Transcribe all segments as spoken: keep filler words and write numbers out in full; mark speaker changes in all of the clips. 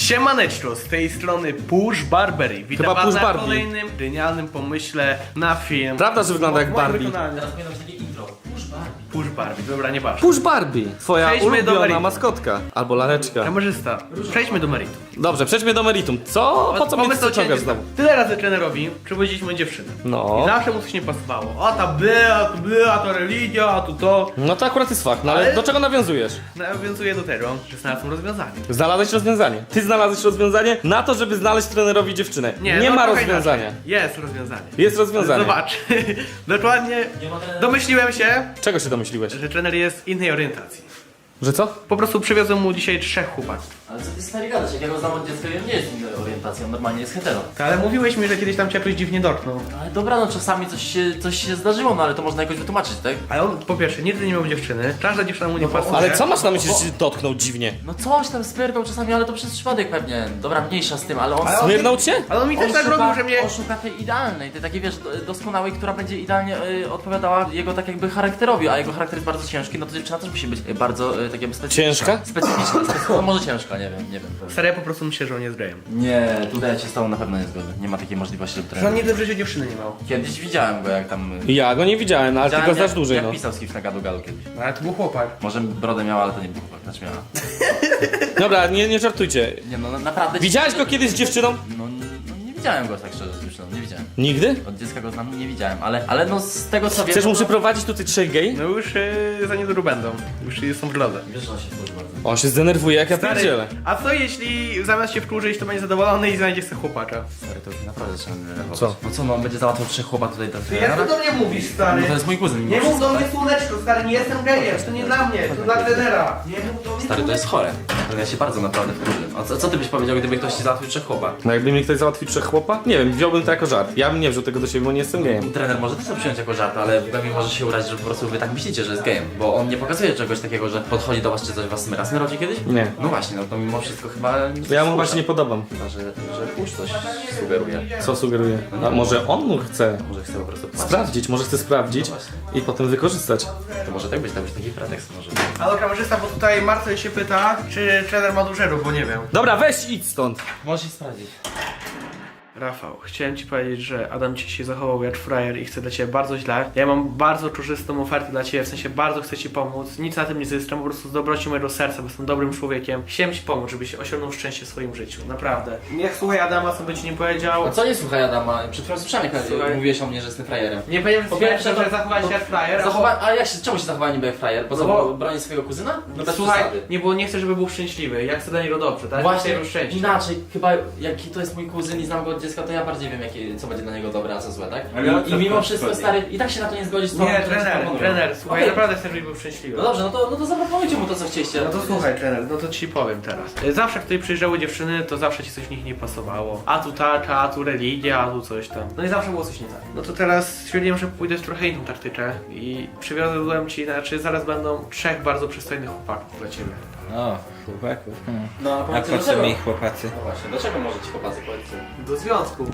Speaker 1: Siemaneczko, z tej strony Push Barbery. Witam
Speaker 2: Chyba
Speaker 1: was
Speaker 2: Push
Speaker 1: na
Speaker 2: Barbie.
Speaker 1: kolejnym genialnym pomyśle na film.
Speaker 2: Prawda, że wygląda jak
Speaker 1: W moim
Speaker 2: Barbie?
Speaker 1: wykonaniu.
Speaker 3: Teraz powinno być takie intro. Push Barbie.
Speaker 1: Push Barbie, dobra, nie ważne.
Speaker 2: Push Barbie, twoja
Speaker 1: Przejdźmy do
Speaker 2: ulubiona
Speaker 1: meritum.
Speaker 2: maskotka. Albo laleczka.
Speaker 1: Kamerzysta, przejdźmy do meritum.
Speaker 2: Dobrze, przejdźmy do meritum. Co? Po co mnie
Speaker 1: Pomysł
Speaker 2: to
Speaker 1: o cięciu
Speaker 2: ciągasz
Speaker 1: znowu.
Speaker 2: znowu?
Speaker 1: Tyle razy trenerowi przywodziliśmy dziewczynę.
Speaker 2: No.
Speaker 1: I zawsze mu coś nie pasowało. O ta była, to była, to religia, a tu to.
Speaker 2: No to akurat jest fakt, no ale,
Speaker 1: Ale-
Speaker 2: do czego nawiązujesz?
Speaker 1: Nawiązuje do tego, że znalazłem rozwiązanie.
Speaker 2: Znalazłeś rozwiązanie. Ty znalazłeś rozwiązanie na to, żeby znaleźć trenerowi dziewczynę. Nie,
Speaker 1: no
Speaker 2: ma
Speaker 1: trochę
Speaker 2: rozwiązania.
Speaker 1: inaczej. Jest rozwiązanie.
Speaker 2: Jest rozwiązanie.
Speaker 1: Zobacz. Dokładnie
Speaker 3: Nie ma trenera.
Speaker 1: domyśliłem się,
Speaker 2: Czego się domyśliłeś?
Speaker 1: że trener jest innej orientacji.
Speaker 2: Że co?
Speaker 1: Po prostu przywiozłem mu dzisiaj trzech chłopaków.
Speaker 3: Ale co ty stary gadasz? Jak ja go znam od dziecka, on nie jest innej orientacji, on normalnie jest hetero.
Speaker 1: Ale mówiłeś mi, że kiedyś tam cię jakoś dziwnie dotknął.
Speaker 3: Ale dobra, no czasami coś się, coś się zdarzyło, no ale to można jakoś wytłumaczyć, tak?
Speaker 1: Ale on po pierwsze nigdy nie miał dziewczyny, każda dziewczyna mu nie
Speaker 3: No bo-
Speaker 1: pasuje.
Speaker 2: Ale co masz na myśli, że się dotknął dziwnie?
Speaker 3: No coś tam spierdał czasami, ale to przez przypadek pewnie. Dobra, mniejsza z tym, ale on...
Speaker 1: Ale on-
Speaker 2: Smyrnął cię?
Speaker 1: Ale on mi też tak robił, że mnie...
Speaker 3: on szuka tej idealnej, tej takiej wiesz, do- doskonałej, która będzie idealnie y, odpowiadała jego tak jakby charakterowi, a jego charakter jest bardzo ciężki, no to dziewczyna też musi być y, bardzo y, tak jakby specyficzna.
Speaker 2: Ciężka?
Speaker 3: Specyficzna, specyficzna, no może ciężka, nie wiem, nie wiem.
Speaker 1: Stary, ja po prostu myślę, że on jest gejem.
Speaker 3: Nie, tutaj ja się z tobą na pewno nie zgodzę. Nie ma takiej możliwości, żeby
Speaker 1: Że on
Speaker 3: trener.
Speaker 1: nigdy w życiu dziewczyny nie miał.
Speaker 3: Kiedyś widziałem go jak tam...
Speaker 2: Ja go nie widziałem, no, ale ty
Speaker 3: Widziałem,
Speaker 2: go znasz
Speaker 3: jak,
Speaker 2: dłużej,
Speaker 3: jak
Speaker 2: no.
Speaker 3: pisał z kimś na gadu gadu kiedyś.
Speaker 1: No, ale to był chłopak.
Speaker 3: Może brodę miała, ale to nie był chłopak, znaczy miała.
Speaker 2: Dobra, nie, nie żartujcie.
Speaker 3: Nie no, na- naprawdę...
Speaker 2: Widziałeś go kiedyś z dziewczyną?
Speaker 3: No, no nie widziałem go tak szczerze z dziewczyną, nie widziałem.
Speaker 2: Nigdy?
Speaker 3: Od dziecka go znam, nie widziałem, ale, ale no z tego co wiem...
Speaker 2: Chcesz mu
Speaker 3: no,
Speaker 2: przyprowadzić tutaj trzech gej?
Speaker 1: No już yy, za niedługo będą. Już są w drodze.
Speaker 3: Wiesz, że on się wkurzył bardzo.
Speaker 2: On się zdenerwuje jak ja
Speaker 1: Stary,
Speaker 2: pierdzielę.
Speaker 1: a co jeśli zamiast się wkurzyć, to będzie zadowolony i znajdzie sobie chłopaka?
Speaker 3: Stary, to naprawdę trzeba denerwować.
Speaker 2: Co?
Speaker 3: No co, no on będzie załatwiał trzech chłopak tutaj do
Speaker 1: Jak ty do mnie mówisz, stary?
Speaker 3: No to jest mój kuzyn mimo
Speaker 1: Nie mów
Speaker 3: wszystko,
Speaker 1: do mnie
Speaker 3: tak?
Speaker 1: słoneczko, stary, nie jestem gejem, to nie dla mnie, to dla trenera. Nie mów do mnie
Speaker 3: Stary, to jest chore. Ale ja się bardzo naprawdę wkurzę. A co, co ty byś powiedział, gdyby ktoś ci załatwił trzech chłopak?
Speaker 2: No jakby mi ktoś załatwił trzech chłopa? Nie wiem, wziąłbym to jako żart. Ja bym nie wziął tego do siebie, bo nie jestem gejem.
Speaker 3: Trener może też to przyjąć jako żart, ale pewnie może się urazić, że po prostu wy tak myślicie, że jest gejem. Bo on nie pokazuje czegoś takiego, że podchodzi do was czy coś was smyra. Smyrał cię kiedyś?
Speaker 2: Nie.
Speaker 3: No właśnie, no to mimo wszystko chyba...
Speaker 2: Ja mu właśnie nie podobam.
Speaker 3: Chyba, że, że pusz coś sugeruje.
Speaker 2: Co sugeruje? A może on mu chce
Speaker 3: Może chce po prostu patrzeć.
Speaker 2: sprawdzić, może chce sprawdzić
Speaker 3: No właśnie.
Speaker 2: i potem wykorzystać.
Speaker 3: To może tak być, tak być taki pretekst może.
Speaker 1: Halo kamerzysta, bo tutaj Marcel się pyta, czy trener ma dużerów, bo nie wiem.
Speaker 2: Dobra, weź idź stąd.
Speaker 3: Możesz sprawdzić.
Speaker 1: Rafał, chciałem ci powiedzieć, że Adam ci się zachował jak frajer i chce dla ciebie bardzo źle. Ja mam bardzo korzystną ofertę dla ciebie, w sensie bardzo chcę ci pomóc. Nic na tym nie zyskam, po prostu z dobroci mojego serca, bo jestem dobrym człowiekiem. Chciałem ci pomóc, żebyś osiągnął szczęście w swoim życiu, naprawdę. Niech słuchaj Adama, co by ci nie powiedział.
Speaker 3: A co nie słuchaj Adama? Przed chwilą słyszałem, jak
Speaker 1: Słuchaj.
Speaker 3: mówiłeś o mnie, że jestem frajerem.
Speaker 1: Nie powiedziałem
Speaker 3: Po
Speaker 1: ci,
Speaker 3: pierwsze,
Speaker 1: że
Speaker 3: to-
Speaker 1: zachowałeś się jak frajer. a po-
Speaker 3: Zachowa... A jak się, czemu się zachowałem niby jak frajer? Po co,
Speaker 1: No bo-
Speaker 3: bo... bronić swojego kuzyna? No bez
Speaker 1: Słuchaj,
Speaker 3: przesady.
Speaker 1: nie, bo nie chcę, żeby był szczęśliwy. Ja chcę dla niego dobrze, tak?
Speaker 3: Właśnie,
Speaker 1: Chcę jego szczęście.
Speaker 3: inaczej, chyba jaki to jest mój kuzyn i znam go od dziecka, to ja bardziej wiem, jakie, co będzie dla niego dobre, a co złe, tak?
Speaker 4: Ale o
Speaker 3: I,
Speaker 4: co
Speaker 3: i mimo
Speaker 4: to
Speaker 3: wszystko,
Speaker 4: chodzi?
Speaker 3: stary, i tak się na to nie zgodzisz z tobą,
Speaker 1: Nie,
Speaker 3: to ci
Speaker 1: trener,
Speaker 3: proponuję.
Speaker 1: trener, słuchaj,
Speaker 3: Okej.
Speaker 1: naprawdę chcę, żebyś był szczęśliwy.
Speaker 3: No dobrze, no to, no to zaproponujcie mu to, co chcieliście.
Speaker 1: No to słuchaj, trener, no to ci powiem teraz. Zawsze, jak tutaj przyjeżdżały dziewczyny, to zawsze ci coś w nich nie pasowało. A tu taka, a tu religia, a tu coś tam. No i zawsze było coś nie tak. No to teraz stwierdziłem, że pójdę w trochę inną taktykę i przywiozłem ci, znaczy zaraz będą trzech bardzo przystojnych chłopaków dla ciebie.
Speaker 4: O, chłopaków. Hmm.
Speaker 3: No, a
Speaker 4: A
Speaker 3: powiedzcie,
Speaker 4: po co
Speaker 3: dlaczego?
Speaker 4: mi chłopacy?
Speaker 3: No właśnie, dlaczego może ci chłopacy powiedzcie?
Speaker 1: Do związku.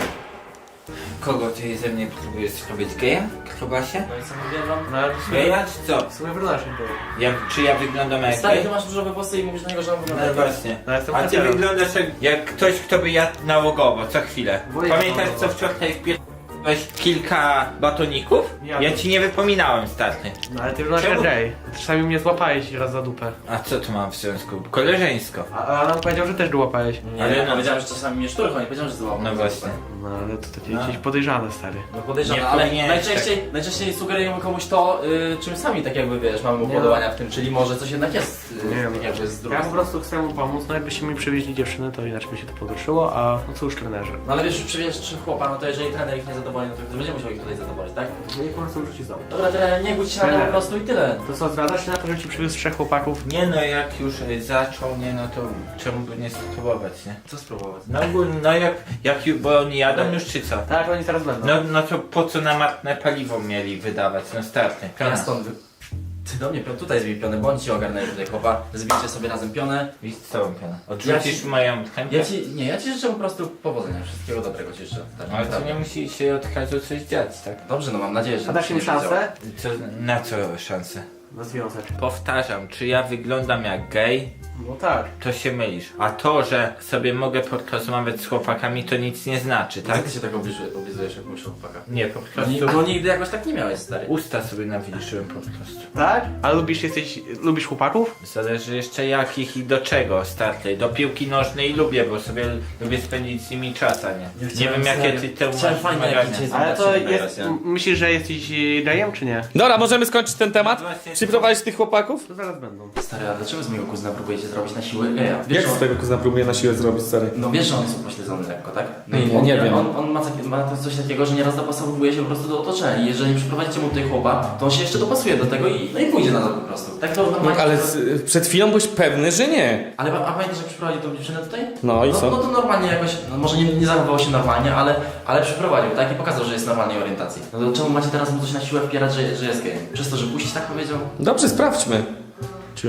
Speaker 4: Kogo ty ze mnie próbujesz zrobić gejem? Krobasie?
Speaker 3: No i co mówiłem wam?
Speaker 1: No ale w sumie,
Speaker 4: Geja czy co?
Speaker 1: w sumie w naszym było.
Speaker 4: Ja, czy ja wyglądam jak
Speaker 3: Stary,
Speaker 4: gej?
Speaker 3: ty masz różowe włosy i mówisz na niego, że on wygląda
Speaker 4: No
Speaker 3: jak
Speaker 4: właśnie.
Speaker 1: No, jestem
Speaker 4: A ty
Speaker 1: heterem.
Speaker 4: wyglądasz jak, jak ktoś, kto by jadł nałogowo, co chwilę.
Speaker 1: Bo ja
Speaker 4: Pamiętasz
Speaker 1: nałogowo.
Speaker 4: co wczoraj wpierdolałeś kilka batoników?
Speaker 1: Ja.
Speaker 4: Ja ci nie wypominałem, starty.
Speaker 1: No ale ty wyglądasz jak
Speaker 4: Czemu?
Speaker 1: gej. Czasami mnie złapałeś raz za dupę.
Speaker 4: A co tu mam w związku? Koleżeńsko.
Speaker 1: A, a Adam powiedział, że też go łapałeś.
Speaker 3: Nie,
Speaker 4: Ale
Speaker 3: ale
Speaker 4: no-
Speaker 3: powiedziałem, że czasami mnie szturchą, nie powiedziałem, że złapał.
Speaker 4: No właśnie.
Speaker 1: No ale to takie
Speaker 4: No.
Speaker 1: jakieś podejrzane, stary.
Speaker 3: No podejrzane,
Speaker 4: Nie
Speaker 3: ale
Speaker 4: powinieneś
Speaker 3: najczęściej, najczęściej sugerujemy komuś to, y, czym sami tak jakby wiesz, mamy
Speaker 1: Nie
Speaker 3: upodobania w tym, czyli może coś jednak jest, y,
Speaker 1: Nie
Speaker 3: tak
Speaker 1: wiem.
Speaker 3: jakby z drugiej
Speaker 1: Ja po
Speaker 3: strony.
Speaker 1: prostu chcę mu pomóc, no jakbyście mi przywieźli dziewczynę, to inaczej by się to potoczyło, a no cóż, trenerze.
Speaker 3: No ale wiesz, przywieźć trzy chłopa, no to jeżeli trener ich nie zadowoli, no to ktoś będzie musiał ich tutaj zadowolić, tak?
Speaker 1: No i po prostu rzuci znowu.
Speaker 3: Dobra, trener, nie budź się na to po prostu i tyle.
Speaker 1: To co, zgadzasz się na to, że ci przywiózł trzech chłopaków?
Speaker 4: Nie no, jak już y, zaczął, nie no to czemu by nie spróbować, nie?
Speaker 3: Co spróbować?
Speaker 4: No ogólnie, no jak, jak ju- bo oni jadą już czy co?
Speaker 1: Tak, oni zaraz będą.
Speaker 4: No, no to po co na marne paliwo mieli wydawać? No starty.
Speaker 3: Ja stąd wy... Ty do mnie pion, tutaj zbij pionę, bądź ci ogarnę tutaj chłopa, zbijcie sobie razem pionę.
Speaker 4: I z całą pionę. Odrzucisz
Speaker 3: Ja
Speaker 4: moją chętkę?
Speaker 3: Ja ci, nie, ja ci życzę po prostu powodzenia, wszystkiego dobrego ci życzę. Tak,
Speaker 4: Ale to
Speaker 3: naprawdę.
Speaker 4: nie musi się od razu coś dziać, tak?
Speaker 3: Dobrze, no mam nadzieję, że...
Speaker 1: A dasz im
Speaker 3: się nie zadziała.
Speaker 1: szansę?
Speaker 4: Co, na co szanse?
Speaker 1: Na związek.
Speaker 4: Powtarzam, czy ja wyglądam jak gej?
Speaker 1: No tak.
Speaker 4: To się mylisz. A to, że sobie mogę porozmawiać z chłopakami, to nic nie znaczy,
Speaker 3: Tak?
Speaker 4: tak?
Speaker 3: Ty się tak obliżujesz, oblizujesz jak mówisz o chłopaka.
Speaker 4: Nie, po
Speaker 3: Ni-
Speaker 4: prostu
Speaker 3: Bo nigdy jakoś tak nie miałeś, stary.
Speaker 4: usta sobie nawilżyłem po prostu.
Speaker 1: Tak? A lubisz, jesteś, lubisz chłopaków?
Speaker 4: Zależy jeszcze jakich i do czego startej. Do piłki nożnej lubię, bo sobie lubię spędzić z nimi czas, a nie. Nie
Speaker 3: chciałem
Speaker 4: wiem jakie
Speaker 3: serio.
Speaker 4: ty te
Speaker 3: Chciałem
Speaker 4: masz
Speaker 3: fajne
Speaker 4: wymagania.
Speaker 3: jakieś jest-
Speaker 1: Ale to
Speaker 3: Zobaczymy
Speaker 1: jest...
Speaker 3: teraz, ja.
Speaker 1: m- Myślisz, że jesteś y, gejem, czy nie?
Speaker 2: Dobra, możemy skończyć ten temat?
Speaker 4: Właśnie-
Speaker 2: Przyprowadzić tych chłopaków?
Speaker 1: To zaraz będą.
Speaker 3: Stary, a dlaczego z mojego kuzyna próbujecie zrobić na siłę geja? Wiesz,
Speaker 2: Jak
Speaker 3: że
Speaker 2: z
Speaker 3: on-
Speaker 2: tego kuzyna próbuje na siłę zrobić, stary?
Speaker 3: No wiesz, że on jest upośledzony lekko, tak?
Speaker 2: Nie,
Speaker 3: i
Speaker 2: nie,
Speaker 3: on,
Speaker 2: nie wiem.
Speaker 3: On, on ma, takie, ma to coś takiego, że nieraz dopasowuje się po prostu do otoczenia i jeżeli przyprowadzicie mu tutaj chłopa, to on się jeszcze dopasuje do tego i, no i pójdzie na to po prostu. Tak to
Speaker 2: No,
Speaker 3: normalnie...
Speaker 2: ale z, przed chwilą byłeś pewny, że nie.
Speaker 3: Ale a pamiętasz, jak przyprowadził tą dziewczynę tutaj?
Speaker 2: No i
Speaker 3: no,
Speaker 2: co?
Speaker 3: No to normalnie jakoś, no może nie, nie zachowywał się normalnie, ale, ale przyprowadził, tak? I pokazał, że jest normalnej orientacji. No to czemu macie teraz mu coś na siłę wpierać, że, że jest gejem? Przez to, że puścić tak powiedział?
Speaker 2: Dobrze, sprawdźmy. Ciu.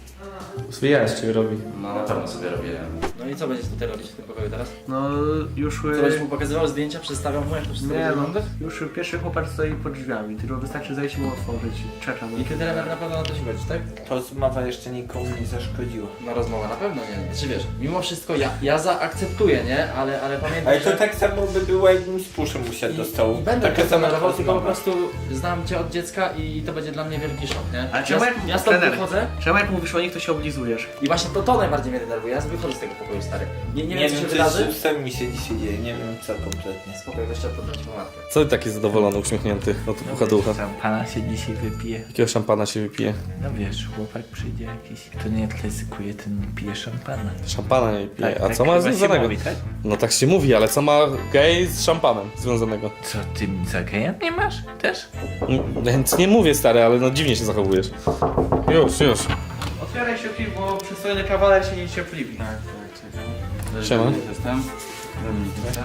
Speaker 2: Wyjaśń, robi.
Speaker 3: No na pewno sobie robię. No i co będziesz tutaj robić w tym pokoju teraz?
Speaker 1: No już...
Speaker 3: Co będziesz mu pokazywał zdjęcia, przedstawiał mu jak to wszystko
Speaker 1: Nie
Speaker 3: będzie
Speaker 1: no,
Speaker 3: wyglądać?
Speaker 1: już pierwszy chłopak stoi pod drzwiami, tylko wystarczy zejść mu otworzyć. Czekam.
Speaker 3: I trener na pewno na to się godzi, tak?
Speaker 4: To rozmowa jeszcze nikomu nie zaszkodziła.
Speaker 3: No rozmowa na pewno nie. Czy wiesz, mimo wszystko ja, ja zaakceptuję, nie? Ale, ale pamiętaj,
Speaker 4: Ale to
Speaker 3: że...
Speaker 4: tak samo by było, jakbym z puszem usiadł do stołu.
Speaker 3: I będę
Speaker 4: Taka
Speaker 3: tak
Speaker 4: sama
Speaker 3: tolerował, tylko po
Speaker 4: rozmowa.
Speaker 3: prostu znam cię od dziecka i to będzie dla mnie wielki szok, nie?
Speaker 1: Ale
Speaker 3: ja,
Speaker 1: czemu jak
Speaker 3: ja stąd
Speaker 1: trener?
Speaker 3: wychodzę
Speaker 1: Czemu jak mówisz o nich, to się oblizujesz?
Speaker 3: i właśnie to, to najbardziej mnie denerwuje. Ja wychodzę z tego pokoju, stary. Nie, nie,
Speaker 4: Nie
Speaker 3: wiem, co się
Speaker 4: wiem,
Speaker 3: wydarzy.
Speaker 4: co z sami mi się dzisiaj dzieje, nie wiem co kompletnie.
Speaker 3: Spokojnie, weź trzeba podać po matkę.
Speaker 2: Co ty taki zadowolony, uśmiechnięty od ucha do ucha?
Speaker 4: Pana się dzisiaj wypije.
Speaker 2: Jakiego szampana się wypije?
Speaker 4: No wiesz, chłopak przyjdzie jakiś, kto nie ryzykuje, ten nie pije szampana.
Speaker 2: Szampana nie pije.
Speaker 4: Tak,
Speaker 2: A
Speaker 4: tak
Speaker 2: co ma
Speaker 4: chyba się
Speaker 2: związanego?
Speaker 4: mówi, tak?
Speaker 2: No tak się mówi, ale co ma gej z szampanem związanego?
Speaker 4: Co, ty za geja nie masz? Też?
Speaker 2: Mm, Więc nie mówię, stary, ale no dziwnie się zachowujesz. Już, już.
Speaker 1: Otwieraj się piw, bo przystojny kawaler się niecierpliwi.
Speaker 5: Tak, tak, czekam.
Speaker 2: Siema.
Speaker 5: Dominik jestem. Dominik jestem.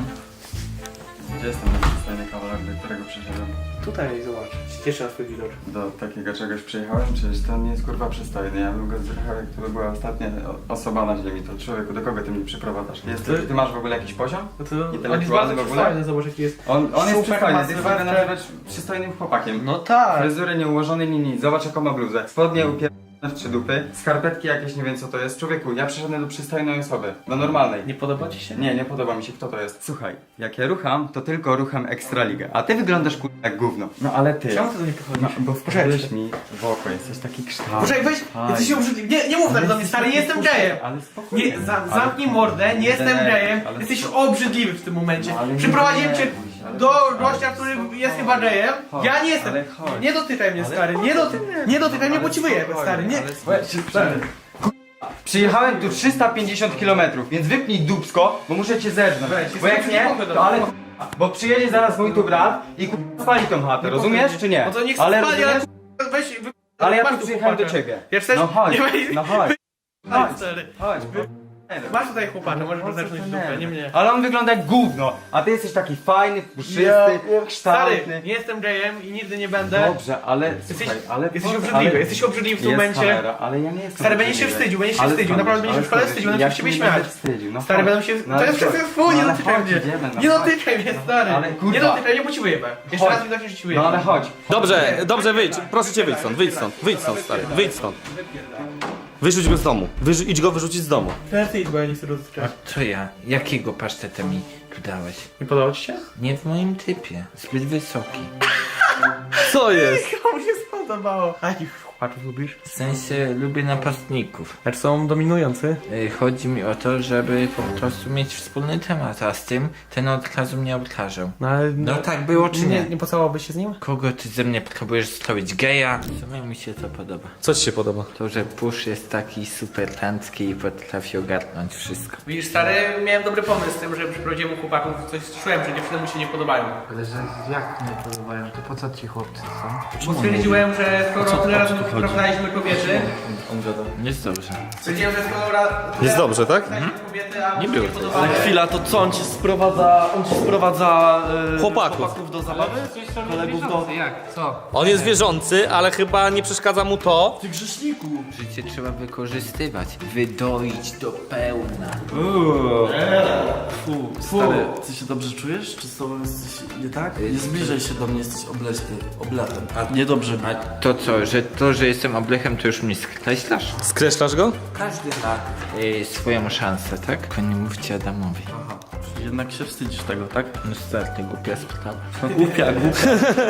Speaker 5: Gdzie jestem ten przystojny kawaler, do którego przyszedłem?
Speaker 1: Tutaj zobacz, cieszę na twój widok.
Speaker 5: Do takiego czegoś przyjechałem? Przecież to nie jest kurwa przystojny. Ja bym go zjechał, jak to była ostatnia o- osoba na ziemi. To człowieku, do kogo ty mnie przyprowadzasz? Jesteś, ty masz w ogóle jakiś poziom?
Speaker 1: No to on jest
Speaker 5: Intelektualny
Speaker 1: bardzo
Speaker 5: w ogóle?
Speaker 1: przystojny, zobacz jaki jest.
Speaker 5: On, on jest
Speaker 1: Super
Speaker 5: przystojny,
Speaker 1: masy,
Speaker 5: ty chcesz go
Speaker 1: te-
Speaker 5: nazywać przystojnym chłopakiem.
Speaker 1: No tak.
Speaker 5: Fryzury nieułożone, ni nic. Zobacz jaką ma bluzę. Spodnie upierdolone w trzy dupy. Skarpetki jakieś, nie wiem co to jest. Człowieku, ja przyszedłem do przystojnej osoby. Do normalnej.
Speaker 1: Nie podoba ci się?
Speaker 5: Nie, nie podoba mi się, kto to jest. Słuchaj, jak ja rucham, to tylko rucham Ekstraligę, a ty wyglądasz kur... jak gówno. No ale ty...
Speaker 1: Czemu ty to nie pochodzisz?
Speaker 5: No, bo wpadłeś mi w oko, jesteś taki kształt.
Speaker 1: Poczekaj, weź,
Speaker 5: Aj.
Speaker 1: jesteś obrzydliwy. Nie, nie mów tak do mnie, stary, nie jestem gejem.
Speaker 5: Ale spokojnie.
Speaker 1: Nie, za,
Speaker 5: Ale-
Speaker 1: zamknij mordę, nie jestem
Speaker 5: Nie,
Speaker 1: gejem.
Speaker 5: ale-
Speaker 1: Jesteś obrzydliwy w tym momencie.
Speaker 5: No, ale nie
Speaker 1: Przyprowadziłem cię
Speaker 5: denerwuj się, ale-
Speaker 1: do
Speaker 5: ale-
Speaker 1: gościa, który jest chyba gejem.
Speaker 5: Chodź,
Speaker 1: Ja nie jestem.
Speaker 5: ale chodź.
Speaker 1: Nie dotykaj mnie,
Speaker 5: Ale
Speaker 1: stary. Nie,
Speaker 5: chodź,
Speaker 1: doty nie dotykaj mnie, bo ci wyjebę,
Speaker 5: spokojnie,
Speaker 1: stary. Nie.
Speaker 5: ale spokojnie. Stary. Przyjechałem tu trzysta pięćdziesiąt kilometrów, więc wypnij dupsko, bo muszę cię zerznąć.
Speaker 1: Weź,
Speaker 5: Bo jak
Speaker 1: jestem
Speaker 5: nie,
Speaker 1: przeciwko
Speaker 5: to ale...
Speaker 1: temu.
Speaker 5: Bo przyjedzie zaraz mój tu brat i ku... spali tą chatę, rozumiesz czy nie?
Speaker 1: No to niech
Speaker 5: ale
Speaker 1: spali, ale
Speaker 5: rozumiesz?
Speaker 1: weź, wy...
Speaker 5: Ale ja
Speaker 1: masz
Speaker 5: tu przyjechałem do
Speaker 1: chłopaka.
Speaker 5: ciebie.
Speaker 1: Ja chcesz?
Speaker 5: No chodź,
Speaker 1: Nie weź,
Speaker 5: no chodź.
Speaker 1: chodź,
Speaker 5: Chodź,
Speaker 1: stary.
Speaker 5: chodź.
Speaker 1: Masz tutaj chłopaka, możesz go zacząć w dupę, nie mnie.
Speaker 5: Ale on wygląda jak gówno, a ty jesteś taki fajny, puszysty,
Speaker 1: Stary,
Speaker 5: kształtny.
Speaker 1: nie jestem gejem i nigdy nie będę.
Speaker 5: Dobrze, ale
Speaker 1: Jesteś,
Speaker 5: słuchaj, ale
Speaker 1: jesteś
Speaker 5: po-
Speaker 1: obrzydliwy,
Speaker 5: ale-
Speaker 1: jesteś obrzydliwy w tym
Speaker 5: Jest
Speaker 1: momencie.
Speaker 5: kamera, ale ja nie jestem
Speaker 1: Stary, będziesz się
Speaker 5: obrzydliwy.
Speaker 1: wstydził, będziesz się
Speaker 5: Ale
Speaker 1: wstydził,
Speaker 5: skąd
Speaker 1: naprawdę
Speaker 5: wiesz?
Speaker 1: będziesz w szkole
Speaker 5: Ale
Speaker 1: wstydził,
Speaker 5: skąd
Speaker 1: będę
Speaker 5: wiesz?
Speaker 1: się ciebie
Speaker 5: Ja się nie
Speaker 1: śmiać.
Speaker 5: będę wstydził, no
Speaker 1: Stary,
Speaker 5: chodź.
Speaker 1: będą się...
Speaker 5: No
Speaker 1: To
Speaker 5: ale
Speaker 1: jest
Speaker 5: co?
Speaker 1: wszystko twój, nie
Speaker 5: No ale
Speaker 1: dotykaj
Speaker 5: chodź,
Speaker 1: mnie.
Speaker 5: idziemy, no
Speaker 1: Nie
Speaker 5: chodź.
Speaker 1: dotykaj mnie, stary.
Speaker 5: Ale kurwa.
Speaker 1: Nie dotykaj mnie, bo ci wyjebę. Jeszcze
Speaker 5: Chodź.
Speaker 1: raz mi tak się ci wyjebę.
Speaker 5: No ale chodź.
Speaker 2: Dobrze, dobrze, wyjdź. Proszę cię, wyjdź stąd, wyjdź stąd, wyjdź stąd, stary, wyjdź stąd. Wyrzuć go z domu. Wyrzu idź go wyrzucić z domu.
Speaker 1: Teraz ty idź, bo ja nie chcę dotykać.
Speaker 4: To ja. Jakiego paszteta mi tu dałeś?
Speaker 1: Nie podoba ci się?
Speaker 4: Nie w moim typie. Zbyt wysoki.
Speaker 2: Co jest?
Speaker 1: Komu się spodobało? A jakich chłopaków lubisz?
Speaker 4: W sensie lubię napastników.
Speaker 1: Lecz są dominujący.
Speaker 4: Y, Chodzi mi o to, żeby po prostu mieć wspólny temat, a z tym ten od razu mnie obtarzał.
Speaker 1: No ale...
Speaker 4: No tak było czy nie?
Speaker 1: Nie, nie pocałowałbyś się z nim?
Speaker 4: Kogo ty ze mnie próbujesz zrobić geja? W sumie mi się to podoba.
Speaker 2: Co ci się podoba?
Speaker 4: To, że Push jest taki super tancki i potrafi ogarnąć wszystko.
Speaker 1: Widzisz, stary, miałem dobry pomysł z tym, że przyprowadziłem mu chłopaków. Coś czułem, że dziewczyny mu się nie podobają.
Speaker 6: Ale że jak nie podobają, to po co ci chłopcy są?
Speaker 1: Bo stwierdziłem, że skoro tyle razy przyprowadzaliśmy kobiety,
Speaker 3: On gada.
Speaker 4: Jest dobrze.
Speaker 1: stwierdziłem, że skoro ra- tyle
Speaker 2: Jest dobrze, tak?
Speaker 1: razy kobiety, a
Speaker 4: Nie
Speaker 1: mu
Speaker 4: było
Speaker 1: się
Speaker 4: to.
Speaker 1: podobały.
Speaker 7: Ale chwila, to co, on ci sprowadza, on ci sprowadza e,
Speaker 2: Chłopaków.
Speaker 7: do zabawy? Kolegów do...
Speaker 6: Jak? Co?
Speaker 2: On jest wierzący, ale chyba nie przeszkadza mu to.
Speaker 7: Ty grzeszniku!
Speaker 4: Życie trzeba wykorzystywać, wydoić do pełna.
Speaker 7: Fu, stary, ty się dobrze czujesz? Czy z tobą jest coś nie tak? Nie zbliżaj się do mnie, jesteś obleśny, obletem. Niedobrze mi.
Speaker 4: A to co, że to, że jestem oblechem, to już mnie skreślasz?
Speaker 2: Skreślasz go?
Speaker 4: Każdy ma y, swoją szansę, tak? Tylko nie mówcie Adamowi.
Speaker 7: Aha, czyli jednak się wstydzisz tego, tak?
Speaker 4: No stary, ty głupia sprawa.
Speaker 7: No głupia, głupia.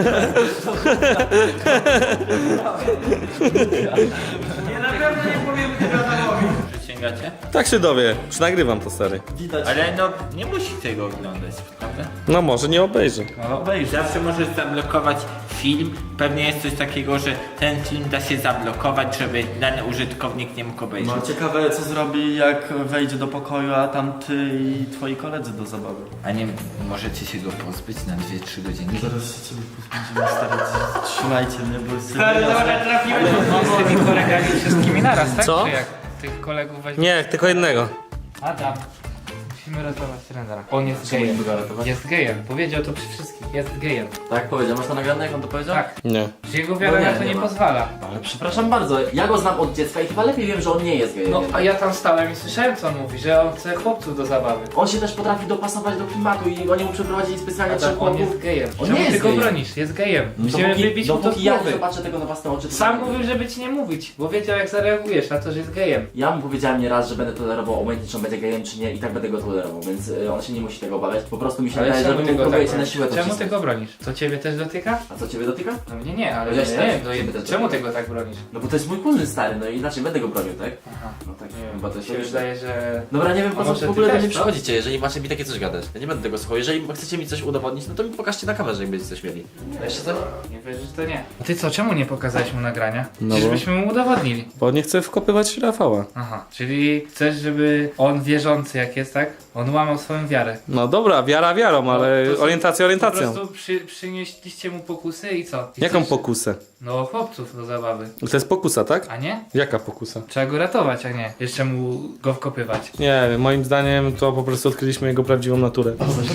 Speaker 1: Nie, na pewno nie powiemy tego Adamowi.
Speaker 4: Przysięgacie?
Speaker 2: Tak się dowie. Przynagrywam to, stary.
Speaker 7: Widać.
Speaker 4: Ale no, nie musi tego oglądać, prawda?
Speaker 2: No może nie obejrzy.
Speaker 7: No obejrzyj.
Speaker 4: Zawsze możesz zablokować film. Pewnie jest coś takiego, że ten film da się zablokować, żeby dany użytkownik nie mógł obejrzeć.
Speaker 7: No ciekawe co zrobi jak wejdzie do pokoju, a tam ty i twoi koledzy do zabawy.
Speaker 4: A nie możecie się go pozbyć na dwie trzy godziny?
Speaker 7: Zaraz się ciebie pozbędziemy, stary, trzymajcie mnie, bo jest
Speaker 1: Stary, dobra, trafiłeś.
Speaker 8: Z tymi kolegami wszystkimi naraz, tak?
Speaker 2: Co?
Speaker 8: Czy jak tych kolegów weźmie?
Speaker 2: Nie, tylko jednego.
Speaker 8: Adam. Musimy ratować trenera. On jest gejem. Jest gejem. Powiedział to przy wszystkich. Jest gejem.
Speaker 3: Tak powiedział, masz to nagrane, jak on to powiedział?
Speaker 8: Tak.
Speaker 2: Nie.
Speaker 8: Że jego wiara
Speaker 3: No nie,
Speaker 8: na to
Speaker 3: nie
Speaker 8: nie
Speaker 3: ma.
Speaker 8: pozwala.
Speaker 3: Ale przepraszam bardzo, ja go znam od dziecka i chyba lepiej wiem, że on nie jest gejem.
Speaker 8: No,
Speaker 3: jednak.
Speaker 8: a ja tam stałem i słyszałem co on mówi, że on chce chłopców do zabawy.
Speaker 3: On się też potrafi dopasować do klimatu i oni mu przeprowadzili specjalnie trzech
Speaker 8: Adam, on
Speaker 3: chłopów.
Speaker 8: jest gejem.
Speaker 3: On
Speaker 8: Czemu
Speaker 3: nie jest
Speaker 8: ty go
Speaker 3: gejem.
Speaker 8: bronisz? Jest gejem. Musimy
Speaker 3: Dopóki,
Speaker 8: wybić mu to z
Speaker 3: dopóki ja nie
Speaker 8: głowy.
Speaker 3: zobaczę tego na własne oczy, to
Speaker 8: Sam
Speaker 3: tak.
Speaker 8: mówił, żeby ci nie mówić, bo wiedział jak zareagujesz na to, że jest gejem.
Speaker 3: Ja mu powiedziałem nie raz, że będę tolerował, obojętnie czy on będzie gejem czy nie i tak będę go tolerował, więc y, on się nie musi tego obawiać. Po prostu mi się
Speaker 8: Ale
Speaker 3: wydaje, że
Speaker 8: czemu
Speaker 3: wy
Speaker 8: ty
Speaker 3: mu
Speaker 8: go tak
Speaker 3: próbujecie na
Speaker 8: bronisz?
Speaker 3: siłę to
Speaker 8: Czemu ty
Speaker 3: wcisnąć.
Speaker 8: go bronisz? To ciebie też dotyka?
Speaker 3: A co ciebie dotyka?
Speaker 8: No mnie nie, ale
Speaker 3: Chociaż
Speaker 8: nie,
Speaker 3: też,
Speaker 8: no,
Speaker 3: ciebie też
Speaker 8: czemu
Speaker 3: dotyka.
Speaker 8: ty go tak bronisz?
Speaker 3: No bo to jest mój kuzyn stary, no i inaczej będę go bronił, tak?
Speaker 8: Aha.
Speaker 3: No tak,
Speaker 8: Nie wiem,
Speaker 3: chyba to się
Speaker 8: mi się wydaje, że...
Speaker 3: Dobra, nie wiem
Speaker 8: A
Speaker 3: po co
Speaker 8: może
Speaker 3: w ogóle
Speaker 8: ty
Speaker 3: do
Speaker 8: też,
Speaker 3: mnie
Speaker 8: co?
Speaker 3: przychodzicie, jeżeli macie mi takie coś gadać. Ja nie będę tego słuchał. Jeżeli chcecie mi coś udowodnić, no to mi pokażcie na kamerze, jak będziecie coś mieli. Jeszcze coś?
Speaker 8: Nie wierzysz, to nie. A ty co, czemu nie pokazałeś mu nagrania?
Speaker 2: No
Speaker 8: Przecież
Speaker 2: bo-
Speaker 8: byśmy mu udowodnili.
Speaker 2: Bo nie chcę wkopywać Rafała.
Speaker 8: Aha, czyli chcesz, żeby on wierzący jak jest, tak? On łamał swoją wiarę.
Speaker 2: No dobra, wiara wiarą, ale
Speaker 8: to są-
Speaker 2: orientacja
Speaker 8: Po
Speaker 2: orientacją.
Speaker 8: prostu przy, przynieśliście mu pokusy i co? I
Speaker 2: Jaką
Speaker 8: chcesz-
Speaker 2: pokusę?
Speaker 8: No chłopców do zabawy.
Speaker 2: To jest pokusa, tak?
Speaker 8: A nie?
Speaker 2: Jaka pokusa?
Speaker 8: Trzeba go ratować, a nie jeszcze mu go wkopywać.
Speaker 2: Nie wiem, moim zdaniem to po prostu odkryliśmy jego prawdziwą naturę.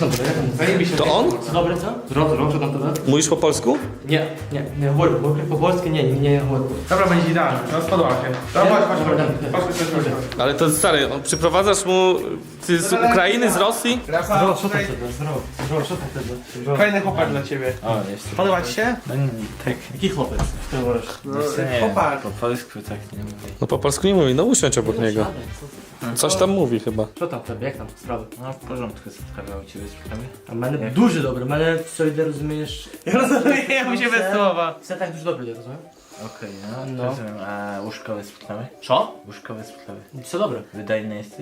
Speaker 2: To on?
Speaker 6: Dobry, co? Zrobię, zrobię tam tyle.
Speaker 2: Mówisz po polsku?
Speaker 6: Nie, nie, nie, mówię, mówię po polsku, nie, nie, nie, mówię.
Speaker 1: Dobra, będzie idealnie. No spodobał się. Dobra, chodź, chodź, chodź. Chodź, chodź, chodź, chodź.
Speaker 2: Ale to stary, on- przyprowadzasz mu... Ty z Ukrainy, z Rosji?
Speaker 1: Rafał,
Speaker 6: Zdrowo, co tam
Speaker 1: tutaj
Speaker 6: wtedy, zdrowo, zdrowo, co tam wtedy? Zdrowo.
Speaker 1: fajny chłopak dla ciebie.
Speaker 4: O, jest.
Speaker 1: Podoba ci się?
Speaker 4: Tak.
Speaker 6: Jaki chłopiec? W tym woresz?
Speaker 1: No,
Speaker 4: Nie,
Speaker 1: chłopak.
Speaker 4: po polsku tak nie mówię.
Speaker 2: No po polsku nie mówi, no usiądź obok niego. Coś tam mówi chyba.
Speaker 6: Co tam wtedy, jak tam sprawy?
Speaker 4: No w porządku, spotkałem u ciebie sprawy.
Speaker 6: A мене дуже добре, мене все йде, розумієш?
Speaker 1: Ja rozumiem się bez słowa.
Speaker 6: Все так дуже добре йде, розумієш?
Speaker 4: Okej, no,
Speaker 6: No.
Speaker 4: rozumiem. A łóżkowe sprawy?
Speaker 6: Що?
Speaker 4: Łóżkowe sprawy.
Speaker 6: Все добре.
Speaker 4: Wydajny jesteś?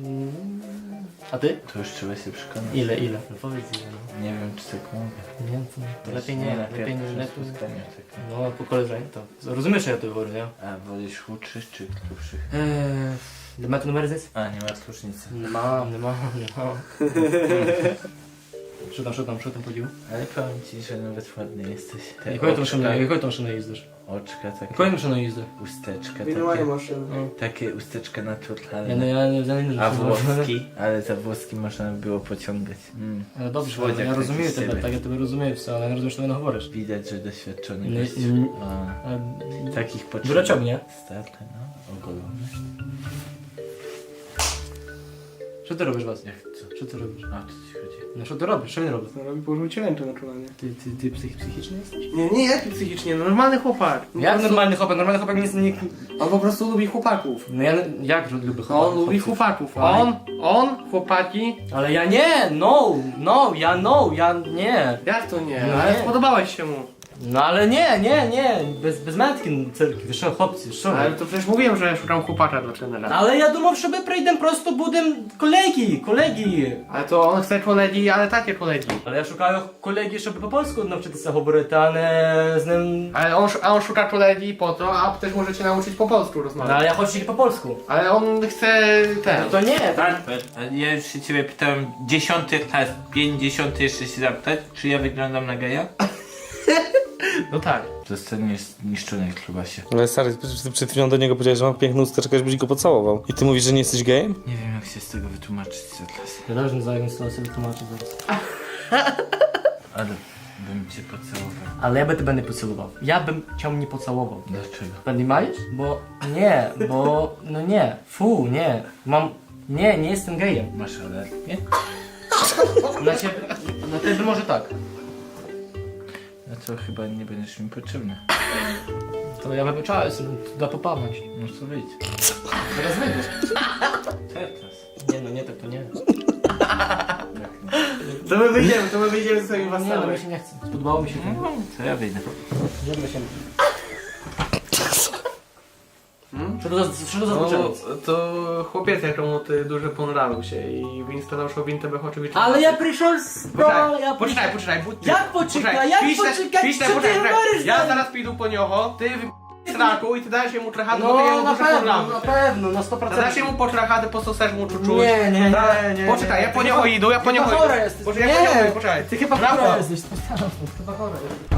Speaker 6: А ти?
Speaker 4: To już trzeba się przekonać.
Speaker 6: Іле, іле. Ну, powiedz ile, no.
Speaker 4: Nie wiem, czy tak mogę.
Speaker 6: Ні, це lepiej nie,
Speaker 4: na
Speaker 6: lepiej nie,
Speaker 4: pierwszym
Speaker 6: lepiej.
Speaker 4: spotkaniu tak.
Speaker 6: No, po koleżeniu to. Розумієш, що я тобі говорю, не?
Speaker 4: A wolisz chudszych czy grubszych?
Speaker 6: Eee, для мене numer здесь?
Speaker 4: A, nie masz różnicy.
Speaker 6: Нема, нема, нема. Що там, що там, що там подів?
Speaker 4: Ale powiem ci, że nawet ładny jesteś. Te
Speaker 6: Якою ти
Speaker 4: oczka,
Speaker 6: машиною, якою ти машиною їздиш?
Speaker 4: oczka takie,
Speaker 6: Якою машиною їздиш?
Speaker 4: usteczka
Speaker 1: Minowanie
Speaker 4: takie,
Speaker 1: maszyny.
Speaker 4: takie usteczka
Speaker 6: Я не,
Speaker 4: naturalne.
Speaker 6: я не, я не
Speaker 4: A włoski? Ale za włoski można by było pociągać. Mm.
Speaker 6: Але добре, що
Speaker 4: Słodziak
Speaker 6: я
Speaker 4: taki
Speaker 6: розумію
Speaker 4: z
Speaker 6: тебе,
Speaker 4: ciebie.
Speaker 6: так я тебе розумію все, але я не розумію, що ти не говориш.
Speaker 4: Widać, że doświadczony
Speaker 6: Nie,
Speaker 4: gość.
Speaker 6: nie,
Speaker 4: A,
Speaker 6: Е,
Speaker 4: takich potrzeb.
Speaker 6: Дурачок, nie?
Speaker 4: Starty, no. Ogolony.
Speaker 6: Що ти робиш, Вас?
Speaker 4: Jak co?
Speaker 6: Що ти робиш?
Speaker 4: A, o co ci chodzi?
Speaker 6: Ну що ти робиш? Що він робить?
Speaker 1: No, robi położył ci rękę na czulanie.
Speaker 6: Ти, ти, ти псих, психічний jesteś?
Speaker 1: Nie, nie jaki psychicznie, no normalny chłopak.
Speaker 6: Jak normalny chłopak? Normalny chłopak nie, nie...
Speaker 1: On po prostu lubi chłopaków.
Speaker 6: No ja jak lubię
Speaker 1: No, on
Speaker 6: chłopaków?
Speaker 1: lubi chłopaków. On, on, chłopaki.
Speaker 6: Ale ja nie! No! No! Ja no! Ja nie!
Speaker 1: Jak to nie?
Speaker 6: No
Speaker 1: Ale
Speaker 6: nie.
Speaker 1: spodobałeś się mu.
Speaker 6: No ale nie, nie, nie! Bez, bez mętki cyrki, ви що, хлопці, що ви?
Speaker 1: Ale to przecież mówiłem, że szukam chłopaka dla trenera.
Speaker 6: Але я думав, що ми прийдемо, просто будемо колеги, колеги.
Speaker 1: Ale to on chce kolegi, ale takie kolegi.
Speaker 6: Але я шукаю колеги, щоб по польську навчитися говорити, а не з ним...
Speaker 1: Ale on, a on szuka kolegi po to, a też możecie nauczyć po polsku
Speaker 6: No,
Speaker 1: rozmawiać.
Speaker 6: ale ja хочу тільки по польську.
Speaker 1: Ale on chce ten.
Speaker 6: No to nie, to...
Speaker 4: Albert, a ja już się ciebie pytałem dziesiąty raz, pięćdziesiąty jeszcze się zapytać, czy ja wyglądam na geja?
Speaker 1: No tak.
Speaker 4: Zostaniesz zniszczony w klubasie.
Speaker 2: Ale stary, ty przed chwilą do niego powiedziałeś, że ma piękną usteczkę, żebyś go pocałował. I ty mówisz, że nie jesteś gejem?
Speaker 4: Nie wiem jak się z tego wytłumaczyć teraz.
Speaker 6: Ja też nie znаю, jak to sobie tłumaczę zaraz.
Speaker 4: Ale bym cię pocałował.
Speaker 6: Ale ja bym тебе не поцілував. Я б cię nie pocałował.
Speaker 4: Dlaczego?
Speaker 6: Понимаешь? Bo nie, bo no nie. Fu, nie. Mam... Nie, nie jestem gejem.
Speaker 4: Masz alergię?
Speaker 6: Na ciebie, na ciebie może tak.
Speaker 4: No to chyba nie będziesz mi potrzebny.
Speaker 6: To ja wybyczałem sobie, da popamać.
Speaker 4: No co wyjdź.
Speaker 6: Teraz wyjdziesz.
Speaker 4: Teraz.
Speaker 6: Nie no, nie tak to nie.
Speaker 1: To my wyjdziemy, to my wyjdziemy ze swoimi
Speaker 6: Nie no,
Speaker 1: wasami.
Speaker 6: mi się nie chce. Spodobało mi się to.
Speaker 4: No, to ja wyjdę.
Speaker 6: Idziemy się. Co to za, co to za
Speaker 1: No,
Speaker 6: uczeniec?
Speaker 1: to chłopiec, któremu ty dużo ponrawił się i Winston naszło wintę oczywiście.
Speaker 6: Ale ja przyszedł z...
Speaker 1: Poczekaj,
Speaker 6: ja
Speaker 1: poczekaj, poczekaj, budź ty.
Speaker 6: Jak poczekaj, jak
Speaker 1: Piśle-
Speaker 6: poczekaj,
Speaker 1: piśle,
Speaker 6: co ty
Speaker 1: poczekaj, poczekaj.
Speaker 6: mówisz,
Speaker 1: Ja
Speaker 6: stary?
Speaker 1: zaraz pójdę po niocho, ty wy... straku i ty dajesz mu trochę, bo ty
Speaker 6: No
Speaker 1: jemu
Speaker 6: na
Speaker 1: dużo
Speaker 6: pewno,
Speaker 1: ponrawił
Speaker 6: na
Speaker 1: się.
Speaker 6: pewno, na sto procent.
Speaker 1: Zadasz mu po trochę, po co chcesz mu czuć.
Speaker 6: Nie, nie, nie, nie.
Speaker 1: Poczekaj, ja po niego idę, ja po
Speaker 6: Chyba
Speaker 1: niego
Speaker 6: chora
Speaker 1: idę.
Speaker 6: jesteś.
Speaker 1: Poczekaj, ja po
Speaker 6: Nie.
Speaker 1: niego, poczekaj.
Speaker 6: Ty chyba
Speaker 1: Rafał.
Speaker 6: chora jesteś, chyba chora jesteś.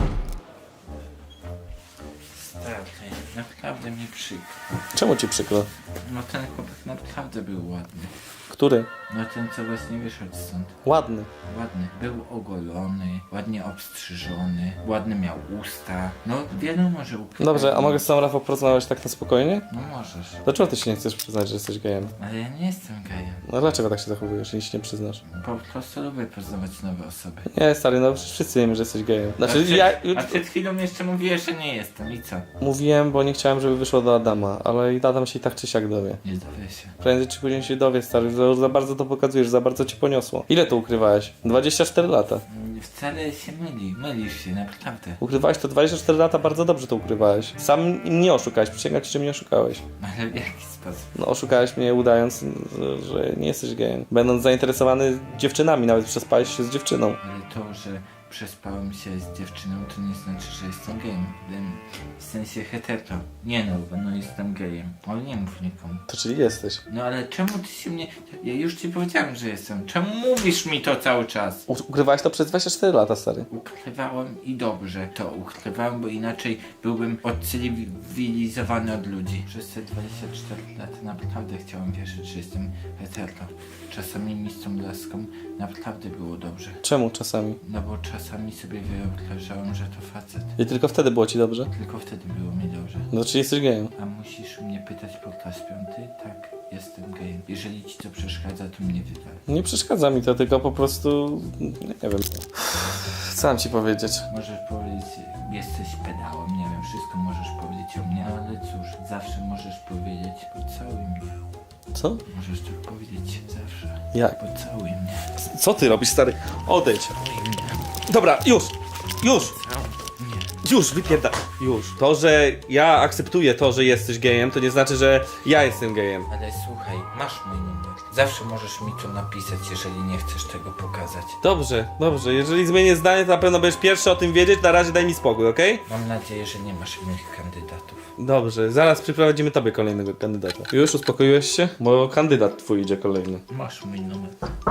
Speaker 4: Stary, naprawdę mi przykro.
Speaker 2: Czemu ci przykro?
Speaker 4: No ten chłopak naprawdę był ładny.
Speaker 2: Który?
Speaker 4: No ten co właśnie wyszedł stąd.
Speaker 2: Ładny.
Speaker 4: Ładny. Był ogolony, ładnie obstrzyżony, ładny miał usta. No wiadomo, że ukrywał.
Speaker 2: Dobrze, a mogę z sam Rafał porozmawiać tak na spokojnie?
Speaker 4: No możesz.
Speaker 2: Dlaczego ty się nie chcesz przyznać, że jesteś gejem?
Speaker 4: Ale ja nie jestem gejem.
Speaker 2: No dlaczego tak się zachowujesz, jeśli się nie przyznasz?
Speaker 4: Po prostu lubię poznawać nowe osoby.
Speaker 2: Nie, stary, no przecież wszyscy wiemy, że jesteś gejem.
Speaker 4: A
Speaker 2: Znaczy,
Speaker 4: przed,
Speaker 2: ja
Speaker 4: a przed chwilą jeszcze mówiłeś, że nie jestem. I co?
Speaker 2: mówiłem, bo nie chciałem, żeby wyszło do Adama, ale i Adam się i tak czy siak dowie.
Speaker 4: Nie dowie się.
Speaker 2: Prędzej czy później się dowie, stary, za, za bardzo to pokazujesz, za bardzo cię poniosło. Ile to ukrywałeś? dwadzieścia cztery lata.
Speaker 4: Mm, Wcale się myli. Mylisz się, naprawdę.
Speaker 2: Ukrywałeś to dwadzieścia cztery lata, bardzo dobrze to ukrywałeś. Sam mnie oszukałeś, przysięgam ci, że mnie oszukałeś.
Speaker 4: Ale w jaki sposób?
Speaker 2: No oszukałeś mnie udając, że, że nie jesteś gejem. Będąc zainteresowany dziewczynami, nawet przespałeś się z dziewczyną.
Speaker 4: Ale to, że przespałem się z dziewczyną, to nie znaczy, że jestem gejem. Wiem, w sensie hetero. Nie no, no jestem gejem. Ale nie mów nikomu.
Speaker 2: To czyli jesteś.
Speaker 4: No ale czemu ty się mnie... Ja już ci powiedziałem, że jestem. Czemu mówisz mi to cały czas?
Speaker 2: U- ukrywałeś to przez dwadzieścia cztery lata, stary.
Speaker 4: Ukrywałem i dobrze to ukrywałem, bo inaczej byłbym odcywilizowany od ludzi. Przez te dwadzieścia cztery lata naprawdę chciałem wierzyć, że jestem hetero. Czasami mi z tą laską naprawdę było dobrze.
Speaker 2: Czemu czasami?
Speaker 4: No bo czasami sobie wyobrażałem, że to facet.
Speaker 2: I tylko wtedy było ci dobrze?
Speaker 4: Tylko wtedy było mi dobrze.
Speaker 2: No czyli jesteś gejem.
Speaker 4: A musisz mnie pytać po raz piąty? Tak, jestem gejem. Jeżeli ci to przeszkadza, to mnie wywal.
Speaker 2: Nie przeszkadza mi to, tylko po prostu... nie wiem. Co mam ci powiedzieć?
Speaker 4: Możesz powiedzieć, jesteś pedałem, nie wiem, wszystko możesz powiedzieć o mnie, ale cóż, zawsze możesz powiedzieć, pocałuj mnie.
Speaker 2: Co?
Speaker 4: Możesz tak powiedzieć zawsze.
Speaker 2: Jak?
Speaker 4: Pocałuj mnie.
Speaker 2: Co ty robisz, stary? Odejdź. Dobra, już! Już! Już, wypierda... Już. To, że ja akceptuję to, że jesteś gejem, to nie znaczy, że ja jestem gejem.
Speaker 4: Ale słuchaj, masz mój numer. Zawsze możesz mi to napisać, jeżeli nie chcesz tego pokazać.
Speaker 2: Dobrze, dobrze. Jeżeli zmienię zdanie, to na pewno będziesz pierwszy o tym wiedzieć. Na razie daj mi spokój, okej?
Speaker 4: Mam nadzieję, że nie masz innych kandydatów.
Speaker 2: Dobrze, zaraz przyprowadzimy tobie kolejnego kandydata. Już uspokoiłeś się? Bo kandydat twój idzie kolejny.
Speaker 4: Masz mój numer.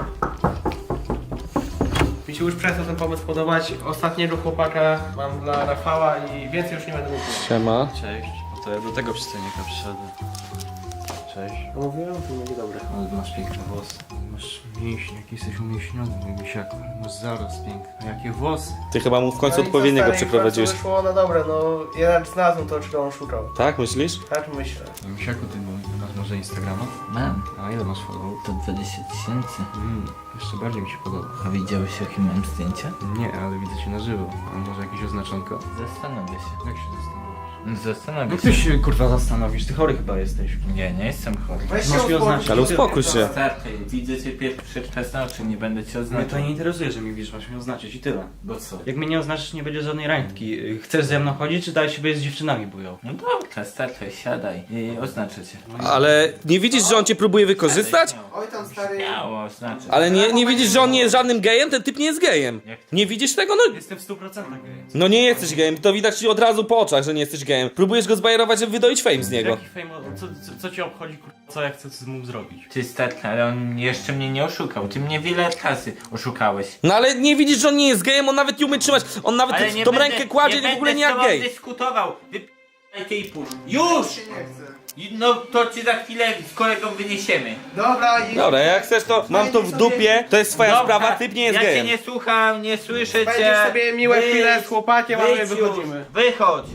Speaker 1: Mi się już przestał ten pomysł podobać. Ostatniego chłopaka mam dla Rafała i więcej już nie będę mówił.
Speaker 2: Siema.
Speaker 5: Cześć, no to ja do tego przystojnika przyszedłem. Cześć.
Speaker 1: No mówiłem, to będzie dobre.
Speaker 5: Ale masz piękne włosy. Masz mięśnie, jak jesteś umieśniony, mój misiaku. Masz zaraz piękny. Jakie włosy?
Speaker 2: Ty chyba mu w końcu
Speaker 1: No i co,
Speaker 2: odpowiedniego
Speaker 1: stary,
Speaker 2: przyprowadziłeś.
Speaker 1: w końcu wyszło, no dobre, no jeden znalazłem to, czego on szukał.
Speaker 2: Tak, myślisz?
Speaker 1: Tak myślę.
Speaker 5: Misiaku, ty masz może Instagrama?
Speaker 4: Mam.
Speaker 5: A ile masz followów?
Speaker 4: To dwadzieścia tysięcy.
Speaker 5: Mm, jeszcze bardziej mi się podoba.
Speaker 4: A widziałeś, jakie mam zdjęcia?
Speaker 5: Nie, ale widzę cię na żywo. A może jakieś oznaczonko?
Speaker 4: Zastanowię się.
Speaker 5: Jak się zastanawiasz?
Speaker 4: Zastanowię
Speaker 5: No
Speaker 4: się.
Speaker 5: ty się kurwa zastanowisz, ty chory chyba jesteś.
Speaker 4: Nie, nie jestem chory.
Speaker 1: Weź
Speaker 5: Masz
Speaker 1: się
Speaker 5: mi oznaczyć.
Speaker 2: Ale uspokój się.
Speaker 4: Starczy, widzę cię pierwszy raz na oczy, nie będę cię
Speaker 5: Mnie
Speaker 4: oznaczał.
Speaker 5: to nie interesuje, że mi widzisz, masz mnie oznaczyć i tyle.
Speaker 4: Bo co?
Speaker 5: Jak mnie nie oznaczysz, nie będzie żadnej randki. Chcesz ze mną chodzić, czy daj siebie z dziewczynami bujał?
Speaker 4: No dobra, starczy, siadaj i oznaczę cię.
Speaker 2: Ale nie widzisz, że on cię próbuje wykorzystać?
Speaker 1: Oj tam stary.
Speaker 4: Miało oznaczę.
Speaker 2: Ale nie, nie widzisz, że on nie jest żadnym gejem? Ten typ nie jest gejem. Nie widzisz tego? No,
Speaker 5: Jestem w stu procentach gejem.
Speaker 2: no nie jesteś gejem. To widać ci od razu po oczach, że nie jesteś gejem. Próbujesz go zbajerować, żeby wydoić fame z niego.
Speaker 5: Jaki fame, co, co, co cię obchodzi, kurwa, co ja chcę z mu zrobić?
Speaker 4: Ty starczy, ale on jeszcze mnie nie oszukał. Ty mnie wiele razy oszukałeś.
Speaker 2: No ale nie widzisz, że on nie jest gejem, on nawet nie umie trzymać. On nawet
Speaker 4: Ale nie
Speaker 2: tą
Speaker 4: będę,
Speaker 2: rękę kładzie
Speaker 4: nie
Speaker 2: w ogóle
Speaker 4: będę
Speaker 2: nie
Speaker 4: z
Speaker 2: jak
Speaker 4: tobą
Speaker 2: gej.
Speaker 4: dyskutował. Wyp***aj ty i pójdź. Już! I- No to ci za chwilę z kolegą wyniesiemy.
Speaker 1: Dobra, i
Speaker 2: Dobra, jak chcesz to mam to w dupie, to jest twoja
Speaker 4: Dobra,
Speaker 2: sprawa, typ nie jest
Speaker 4: ja
Speaker 2: gejem.
Speaker 4: cię nie słucham, nie słyszę cię.
Speaker 1: Będziesz sobie miłe
Speaker 4: Wyjdź,
Speaker 1: chwile z chłopakiem, a my
Speaker 4: wyjdź
Speaker 1: wychodzimy.
Speaker 4: Już, wychodź.
Speaker 1: Ty stary.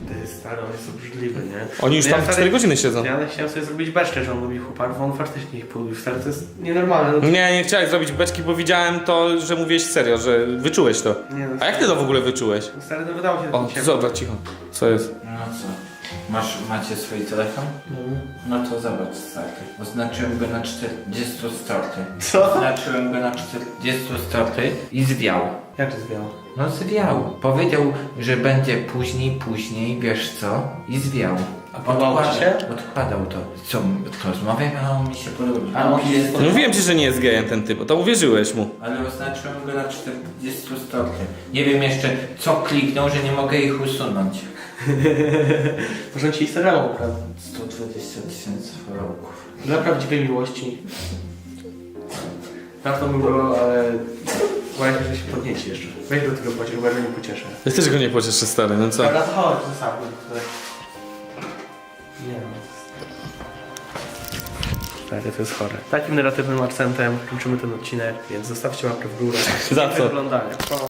Speaker 1: Stary, on jest obrzydliwy, nie?
Speaker 2: Oni już
Speaker 1: Ja
Speaker 2: tam
Speaker 1: stary-
Speaker 2: cztery godziny siedzą.
Speaker 1: Ja chciałem sobie zrobić beczkę, że on lubi chłopaków, on faktycznie ich polubił. Stary, to jest nienormalne. No,
Speaker 2: Nie, nie chciałeś zrobić beczki, bo widziałem to, że mówiłeś serio, że wyczułeś to.
Speaker 1: nie, no,
Speaker 2: A jak ty to w ogóle wyczułeś?
Speaker 1: Stary, no wydało się
Speaker 2: O,
Speaker 1: takim
Speaker 2: zobacz, cicho. Co jest?
Speaker 4: No co? Masz, macie swój telefon? No to zobacz, stary. Oznaczyłem go na czterdzieści starty.
Speaker 1: Co?
Speaker 4: Oznaczyłem go na czterdzieści starty i zwiał.
Speaker 1: Jak to zwiało?
Speaker 4: No zwiał. Powiedział, że będzie później, później, wiesz co? I zwiał.
Speaker 1: A podobało ci się?
Speaker 4: Odkładał to. Co, rozmawiam, a on mi się podoba.
Speaker 1: A on jest-
Speaker 2: No mówiłem ci, że nie jest gejem ten typ, to uwierzyłeś mu.
Speaker 4: Ale oznaczyłem go na czterdzieści starty. Nie wiem jeszcze, co kliknął, że nie mogę ich usunąć.
Speaker 1: Może ci Instagrama ukradł.
Speaker 4: sto dwadzieścia tysięcy followków.
Speaker 1: Dla prawdziwej miłości. Dawno mi było, ale... Boję się, że się podnieci jeszcze. Weź do tego pociesz, bo ja go nie pocieszę.
Speaker 2: Ja też go nie pocieszę, stary, no co?
Speaker 1: Dobra, to chodź, zostawmy. Nie no. Stary, to jest chore. Takim negatywnym akcentem kończymy ten odcinek, więc zostawcie łapkę w górę.
Speaker 2: Za co?
Speaker 1: Do oglądania.